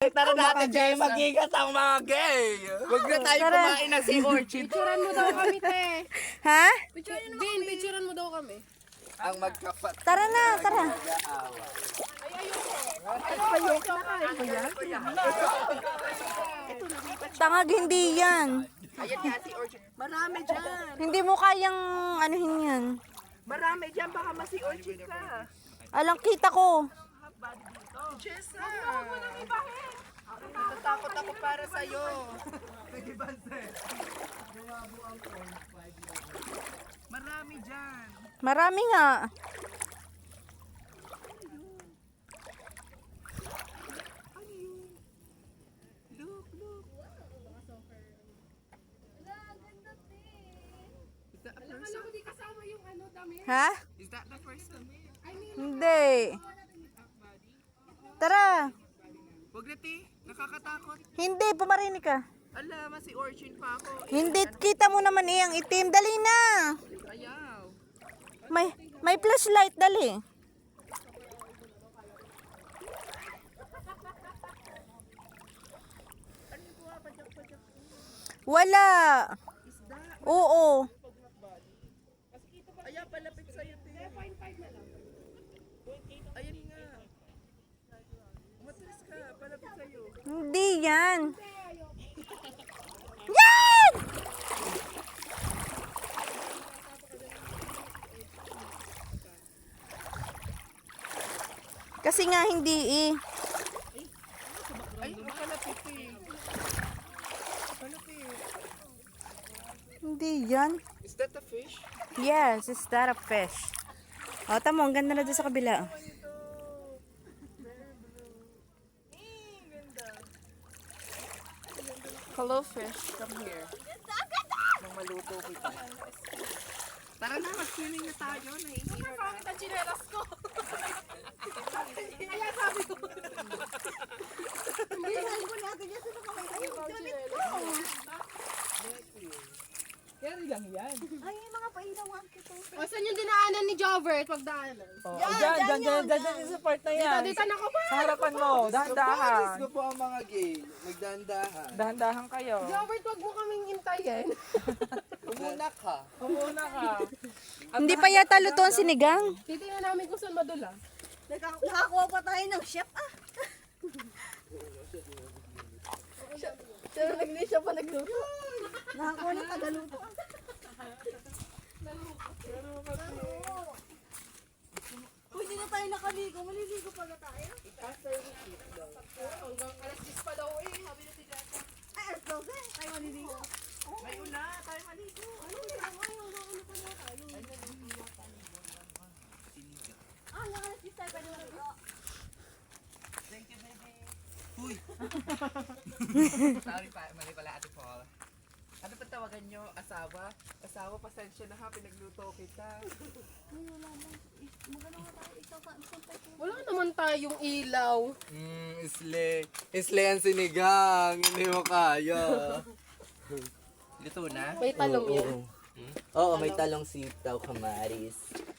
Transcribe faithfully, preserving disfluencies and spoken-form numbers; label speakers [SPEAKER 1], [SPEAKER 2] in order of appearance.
[SPEAKER 1] Tara natin, Jay. Mag-ingat ang mga gay. Huwag na tayo
[SPEAKER 2] Tara.
[SPEAKER 1] kumain ng sea urchin.
[SPEAKER 3] Picturean mo daw kami, te.
[SPEAKER 2] Ha?
[SPEAKER 3] Bin, picturean mo daw kami.
[SPEAKER 1] Ang magkapat.
[SPEAKER 2] Tara na, tara. Tangag, hindi yan.
[SPEAKER 1] Ayan nga si urchin. Marami dyan.
[SPEAKER 2] Hindi mo kayang anuhin yan.
[SPEAKER 1] Marami dyan. Baka masi urchin ka.
[SPEAKER 2] Alang kita ko.
[SPEAKER 1] Jessa. Natatakot ako para sa'yo. Marami dyan.
[SPEAKER 2] Marami nga.
[SPEAKER 1] Look, look. Is that a
[SPEAKER 3] Alam
[SPEAKER 1] person?
[SPEAKER 3] ko di kasama yung ano, dami.
[SPEAKER 2] Ha?
[SPEAKER 1] Is that the person?
[SPEAKER 2] Hindi. Tara.
[SPEAKER 1] Huwag na, ti. Nakakatakot.
[SPEAKER 2] Hindi, pumarinig ka.
[SPEAKER 1] Ala, masi urchin pa ako.
[SPEAKER 2] Hindi, kita mo naman iyang itim. Dali na.
[SPEAKER 1] Ayaw.
[SPEAKER 2] May, may flashlight, dali. Wala. Oo.
[SPEAKER 1] Ayaw, palapit sa'yo, ti. Ayan nga. Umatras ka, palapit sa'yo.
[SPEAKER 2] Hindi yan. Yan! Kasi nga hindi eh.
[SPEAKER 1] Ay, palapit, ti. Palapit.
[SPEAKER 2] Hindi yan.
[SPEAKER 1] Is that a fish?
[SPEAKER 2] Yes, is that a fish? O, tamo, ang ganda na doon sa kabila.
[SPEAKER 1] Hello, fish. Come here. Nang maluto kita. Tara na, mag-swimming na tayo. Nahihira na.
[SPEAKER 3] Bakit ang chinelas ko? Kaya sabi ko. O, saan yung dinaanan ni Jovert? Pagdaanan.
[SPEAKER 4] Oh, dyan, dyan, dyan, dyan, dyan, sa part na yan.
[SPEAKER 3] Dito na ko ba?
[SPEAKER 4] Sa harapan mo, dahan-dahan.
[SPEAKER 1] Paris ko po ang mga gay. Magdandahan.
[SPEAKER 4] Dahan-dahan kayo.
[SPEAKER 3] Jovert, wag mo kaming intayin.
[SPEAKER 1] Umuna ka.
[SPEAKER 4] Kumuna ka.
[SPEAKER 2] Hindi pa yata luto ang sinigang.
[SPEAKER 3] Titingnan namin kung saan madula.
[SPEAKER 5] Nakakuha pa tayo ng chef ah.
[SPEAKER 3] Pero nagli siya pa nagluto.
[SPEAKER 5] Nakakuha ng tagaluto. Kung hindi na tayo nakaligo, maliligo pala tayo.
[SPEAKER 3] Hanggang alas diyes pa daw eh. Sabi na si Jata.
[SPEAKER 5] Ay, alas twelve eh. Tayo maliligo.
[SPEAKER 1] May una, tayo maligo.
[SPEAKER 5] Ano nila? Ay, wala ano pala tayo. Ah, yung alas twelve tayo pwede maligo.
[SPEAKER 1] Huy! Sorry pa, mali pala Ate Paul. Ano pa tawagan nyo? Asawa? Asawa, pasensya na ha, pinagluto kita.
[SPEAKER 5] Ay, wala na. Magano nga tayo. Ikaw pa. Isang tayo.
[SPEAKER 3] Wala naman tayong ilaw.
[SPEAKER 1] Hmm, isle. Isle ang sinigang. Hindi mo kaya. Luto na?
[SPEAKER 3] May talong yun.
[SPEAKER 1] Oo, may talong sitaw, kamaris.